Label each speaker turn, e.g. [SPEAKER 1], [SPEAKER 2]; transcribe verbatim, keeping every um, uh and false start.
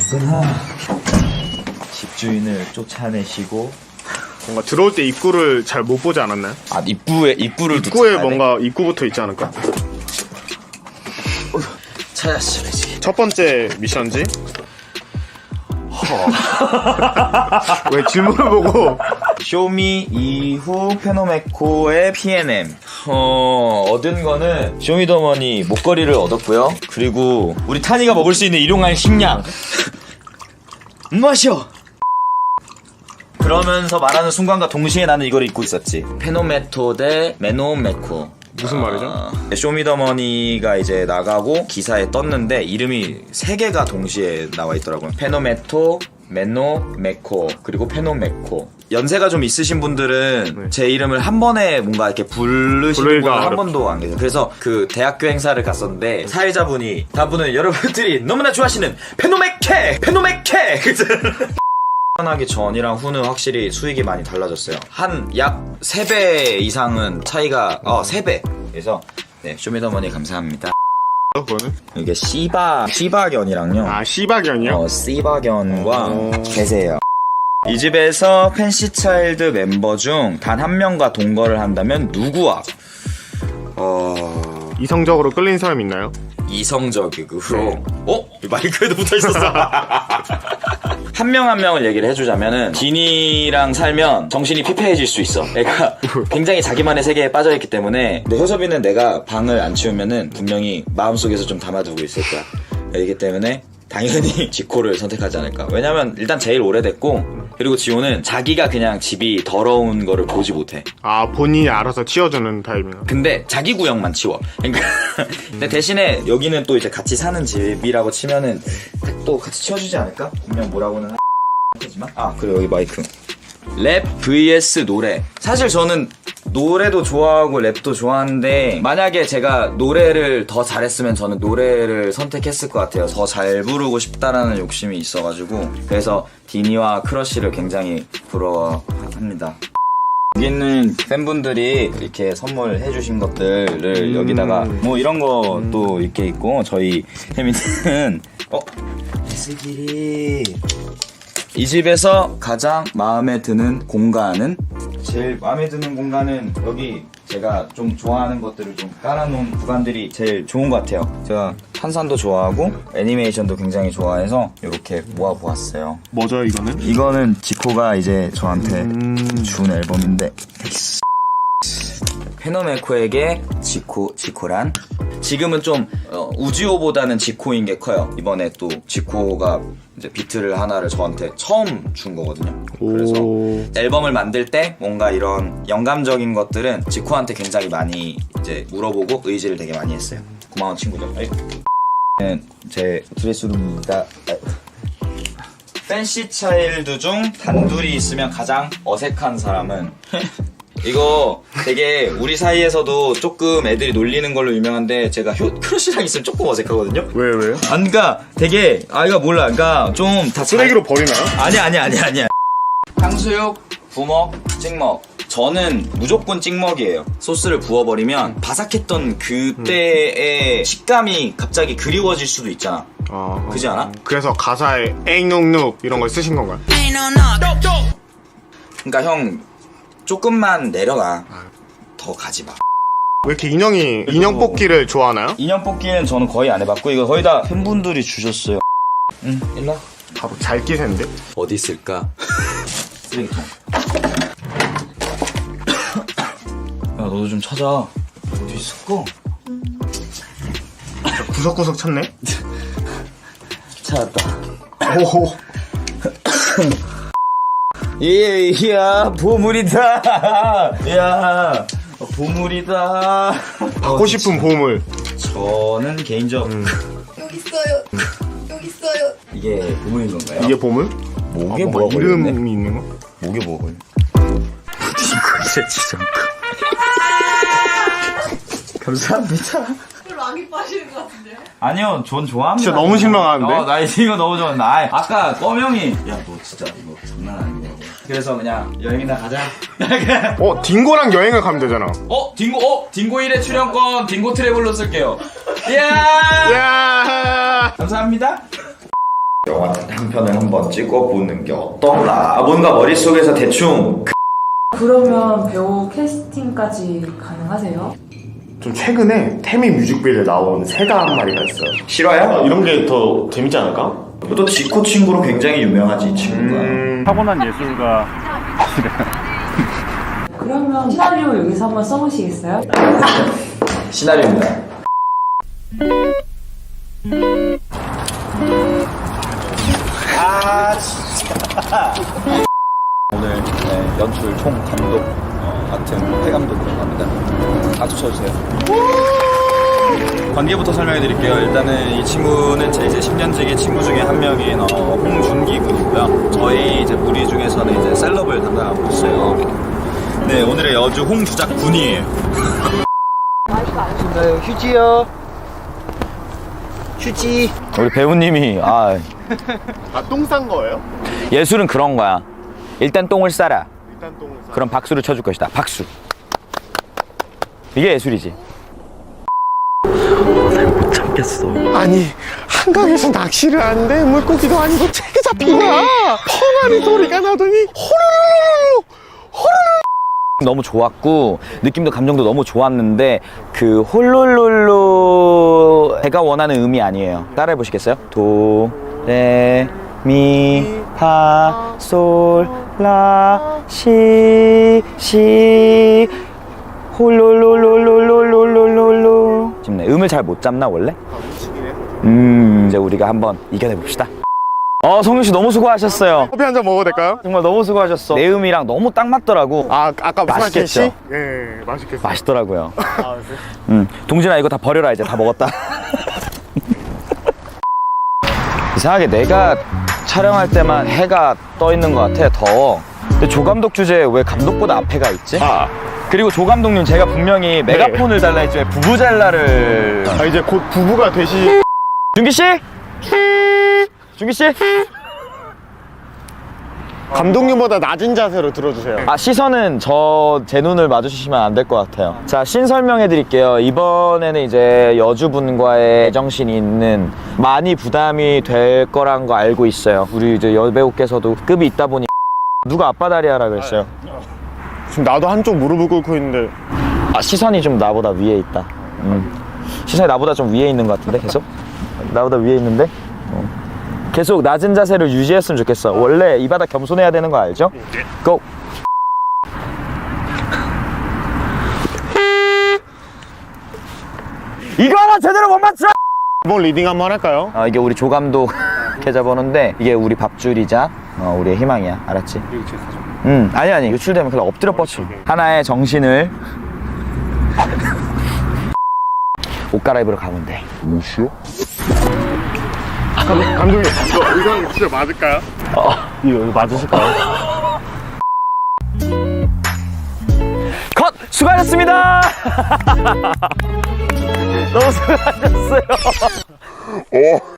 [SPEAKER 1] 집주인을 쫓아내시고.
[SPEAKER 2] 뭔가 들어올 때 입구를 잘 못 보지 않았나요?
[SPEAKER 1] 아, 입구에 입구를
[SPEAKER 2] 입구에 뭔가 입구부터 있지 않을까?
[SPEAKER 1] 찾았어야지.
[SPEAKER 2] 첫 번째 미션지? 왜 질문을 보고?
[SPEAKER 1] 쇼미 이후 페노메코의 피엔엠. 어, 얻은 거는 쇼미더머니 목걸이를 얻었고요. 그리고 우리 타니가 먹을 수 있는 일용할 식량. 마셔. 그러면서 말하는 순간과 동시에 나는 이걸 입고 있었지. 페노메토 대 메노메코.
[SPEAKER 2] 무슨 말이죠?
[SPEAKER 1] 아, 쇼미더머니가 이제 나가고 기사에 떴는데 이름이 세 개가 동시에 나와 있더라고요. 페노메토, 메노메코, 그리고 페노메코. 연세가 좀 있으신 분들은
[SPEAKER 2] 네.
[SPEAKER 1] 제 이름을 한 번에 뭔가 이렇게 부르시는 분은 한
[SPEAKER 2] 어렵죠.
[SPEAKER 1] 번도 안 계세요. 그래서 그 대학교 행사를 갔었는데 사회자분이 다분은 여러분들이 너무나 좋아하시는 페노메케! 페노메케! 하기 전이랑 후는 확실히 수익이 많이 달라졌어요. 한 약 세 배 이상은 차이가, 어, 세 배. 그래서, 네, 쇼미더머니 감사합니다.
[SPEAKER 2] 그거는?
[SPEAKER 1] 이게 씨바, 씨바견이랑요.
[SPEAKER 2] 아, 씨박연이요?
[SPEAKER 1] 어, 씨바견과
[SPEAKER 2] 어.
[SPEAKER 1] 계세요. 이 집에서 팬시차일드 멤버 중 단 한 명과 동거를 한다면 누구와? 어...
[SPEAKER 2] 이성적으로 끌린 사람 있나요?
[SPEAKER 1] 이성적이고. 어? 마이크에도 붙어 있었어. 한 명 한 명을 얘기를 해주자면은 디니랑 살면 정신이 피폐해질 수 있어. 애가 굉장히 자기만의 세계에 빠져있기 때문에. 근데 효섭이는 내가 방을 안 치우면은 분명히 마음속에서 좀 담아두고 있을 거야. 이기 때문에 당연히 지코를 선택하지 않을까. 왜냐면 일단 제일 오래됐고, 그리고 지호는 자기가 그냥 집이 더러운 거를 보지 못해.
[SPEAKER 2] 아, 본인이 알아서 치워주는 타입인가?
[SPEAKER 1] 근데 자기 구역만 치워. 그러니까 근데 대신에 여기는 또 이제 같이 사는 집이라고 치면은 또 같이 치워주지 않을까? 분명 뭐라고는 하지만. 아, 그리고 여기 마이크. 랩 vs 노래. 사실 저는 노래도 좋아하고 랩도 좋아하는데 만약에 제가 노래를 더 잘했으면 저는 노래를 선택했을 것 같아요. 더 잘 부르고 싶다라는 욕심이 있어가지고. 그래서 디니와 크러쉬를 굉장히 부러워합니다. 여기는 팬분들이 이렇게 선물해 주신 것들을
[SPEAKER 2] 음.
[SPEAKER 1] 여기다가 뭐 이런 것도 이렇게 있고, 저희 혜민은 어? 에스길이 이 집에서 가장 마음에 드는 공간은? 제일 마음에 드는 공간은 여기 제가 좀 좋아하는 것들을 좀 깔아놓은 구간들이 제일 좋은 것 같아요. 제가 탄산도 좋아하고 애니메이션도 굉장히 좋아해서 이렇게 모아보았어요.
[SPEAKER 2] 뭐죠, 이거는?
[SPEAKER 1] 이거는 지코가 이제 저한테
[SPEAKER 2] 음...
[SPEAKER 1] 준 앨범인데, 페노메코에게 지코, 지코란? 지금은 좀 어, 우지호보다는 지코인 게 커요. 이번에 또 지코가 이제 비트를 하나를 저한테 처음 준 거거든요. 그래서
[SPEAKER 2] 오...
[SPEAKER 1] 앨범을 만들 때 뭔가 이런 영감적인 것들은 지코한테 굉장히 많이 이제 물어보고 의지를 되게 많이 했어요. 고마운 친구죠. 제 드레스룸입니다. 팬시 차일드 중 단둘이 있으면 가장 어색한 사람은? 이거 되게 우리 사이에서도 조금 애들이 놀리는 걸로 유명한데, 제가 효, 크러쉬랑 있으면 조금 어색하거든요?
[SPEAKER 2] 왜, 왜요?
[SPEAKER 1] 아, 그니까 되게, 아, 이거 몰라. 그니까 좀 다
[SPEAKER 2] 쓰레기로 버리나요?
[SPEAKER 1] 아니야, 아니야, 아니야, 아니야. 탕수육, 부먹, 찍먹. 저는 무조건 찍먹이에요. 소스를 부어버리면 바삭했던 그때의 음. 식감이 갑자기 그리워질 수도 있잖아.
[SPEAKER 2] 아...
[SPEAKER 1] 그지 않아?
[SPEAKER 2] 그래서 가사에 에이눅눅 이런 걸 쓰신 건가요?
[SPEAKER 1] 그니까 형, 조금만 내려가. 더 가지 마.
[SPEAKER 2] 왜 이렇게 인형이, 인형 뽑기를 좋아하나요?
[SPEAKER 1] 인형 뽑기는 저는 거의 안 해봤고, 이거 거의 다 팬분들이 주셨어요. 응, 일로 와.
[SPEAKER 2] 바로 잘 끼센데?
[SPEAKER 1] 어디 있을까? 쓰레기통. 야, 너도 좀 찾아. 어디 있을까?
[SPEAKER 2] 구석구석 찾네?
[SPEAKER 1] 찾았다.
[SPEAKER 2] 오호.
[SPEAKER 1] 예, 야, 보물이다. 야, 보물이다.
[SPEAKER 2] 받고 싶은 보물.
[SPEAKER 1] 저는 개인적. 음.
[SPEAKER 3] 여기 있어요. 여기 있어요.
[SPEAKER 1] 이게 보물인 건가요?
[SPEAKER 2] 이게 보물?
[SPEAKER 1] 목에
[SPEAKER 2] 아,
[SPEAKER 1] 뭐가
[SPEAKER 2] 이름이
[SPEAKER 1] 걸렸네?
[SPEAKER 2] 있는 거?
[SPEAKER 1] 목에 뭐가 걸려? 이거 진짜. 감사합니다.
[SPEAKER 3] 락이 빠지는 것 같은데.
[SPEAKER 1] 아니요, 전 좋아합니다.
[SPEAKER 2] 진짜 너무 실망하는데?
[SPEAKER 1] 어, 나 이거 너무 좋아한다. 아, 아까 꺼명이, 야, 너 진짜 이거 장난 아니냐고. 그래서 그냥 여행이나 가자.
[SPEAKER 2] 어, 딩고랑 여행을 가면 되잖아.
[SPEAKER 1] 어, 딩고, 어, 딩고 일 회 출연권 딩고 트래블로 쓸게요. 이야!
[SPEAKER 2] 야!
[SPEAKER 1] 감사합니다. 영화 한 편을 한번 찍어보는 게 어떤가. 뭔가 머릿속에서 대충
[SPEAKER 4] 그러면 배우 캐스팅까지 가능하세요?
[SPEAKER 2] 좀 최근에 태미 뮤직비디오에 나온 새가 한 마리가 있어요.
[SPEAKER 1] 실화야?
[SPEAKER 2] 이런 게 더 재밌지 않을까?
[SPEAKER 1] 또 지코 친구로 굉장히 유명하지 이 친구가.
[SPEAKER 2] 음...
[SPEAKER 5] 타고난 예술가.
[SPEAKER 4] 그러면 시나리오 여기서 한번 써보시겠어요?
[SPEAKER 1] 시나리오입니다. 아 진짜. 오늘 네, 연출 총 감독 어, 같은 해감독으로 합니다. 박수 쳐주세요. 관계부터 설명해 드릴게요. 일단은 이 친구는 제 이제 십 년지기 친구 중에 한 명인 어, 홍준기 군이고요. 저희 이제 무리 중에서는 이제 셀럽을 담당하고 있어요. 네, 오늘의 여주 홍주작 군이에요. 휴지요. 휴지. 우리 배우님이 아
[SPEAKER 2] 아, 똥 싼 거예요?
[SPEAKER 1] 예술은 그런 거야. 일단 똥을 싸라.
[SPEAKER 2] 일단 똥을 싸.
[SPEAKER 1] 그럼 박수를 쳐줄 것이다. 박수. 이게 예술이지. 못 참겠어.
[SPEAKER 2] 아니, 한강에서 낚시를 하는데 물고기도 아니고 책이 잡힌 거야. 펑하는 소리가 나더니 호로로로로 호로로.
[SPEAKER 1] 너무 좋았고 느낌도 감정도 너무 좋았는데 그 홀롤롤로 제가 원하는 음이 아니에요. 따라해 보시겠어요? 도, 레, 미, 파, 솔, 라, 시, 시 홀롤롤롤롤롤롤롤로 짚네. 음을 잘 못 잡나 원래? 음 이제 우리가 한번 이겨내 봅시다. 어 성윤씨 너무 수고하셨어요.
[SPEAKER 2] 커피 한 잔 먹어도 될까요?
[SPEAKER 1] 정말 너무 수고하셨어. 내 음이랑 너무 딱 맞더라고.
[SPEAKER 2] 아, 아까 무슨
[SPEAKER 1] 맛있겠죠?
[SPEAKER 2] 씨? 예, 맛있겠어요.
[SPEAKER 1] 맛있더라고요.
[SPEAKER 2] 아, 네.
[SPEAKER 1] 음, 동진아 이거 다 버려라. 이제 다 먹었다. 이상하게 내가 촬영할 때만 해가 떠 있는 것 같아. 더. 근데 조 감독 주제에 왜 감독보다 앞에가 있지?
[SPEAKER 2] 아,
[SPEAKER 1] 그리고 조 감독님 제가 분명히 메가폰을 달라 했지 왜 부부잘라를.
[SPEAKER 2] 아, 이제 곧 부부가 되시.
[SPEAKER 1] 준기 씨? 준기 씨?
[SPEAKER 2] 감독님보다 낮은 자세로 들어주세요.
[SPEAKER 1] 아 시선은 저 제 눈을 마주치시면 안 될 것 같아요. 자, 신 설명해 드릴게요. 이번에는 이제 여주분과의 애정신이 있는 많이 부담이 될 거란 거 알고 있어요. 우리 이제 여배우께서도 급이 있다 보니 누가 아빠 다리 하라 그랬어요.
[SPEAKER 2] 지금 나도 한쪽 무릎을 꿇고 있는데.
[SPEAKER 1] 아 시선이 좀 나보다 위에 있다. 음. 시선이 나보다 좀 위에 있는 것 같은데 계속? 나보다 위에 있는데? 어. 계속 낮은 자세를 유지했으면 좋겠어. 원래 이 바닥 겸손해야 되는 거 알죠? 고! 이거 하나 제대로 못 맞춰!
[SPEAKER 2] 이번 리딩 한번 할까요?
[SPEAKER 1] 어, 이게 우리 조감독 계좌번호인데 이게 우리 밥줄이자 어, 우리의 희망이야. 알았지? 응, 아니 아니 유출되면 그냥 엎드려 뻗쳐. 하나의 정신을 옷 갈아입으러 가면 돼. 무엇이요?
[SPEAKER 2] 감독, 감독님, 이거, 이거 진짜 맞을까요?
[SPEAKER 1] 어.
[SPEAKER 2] 이거, 이거 맞으실까요?
[SPEAKER 1] 컷! 수고하셨습니다! 너무 수고하셨어요.
[SPEAKER 2] 오.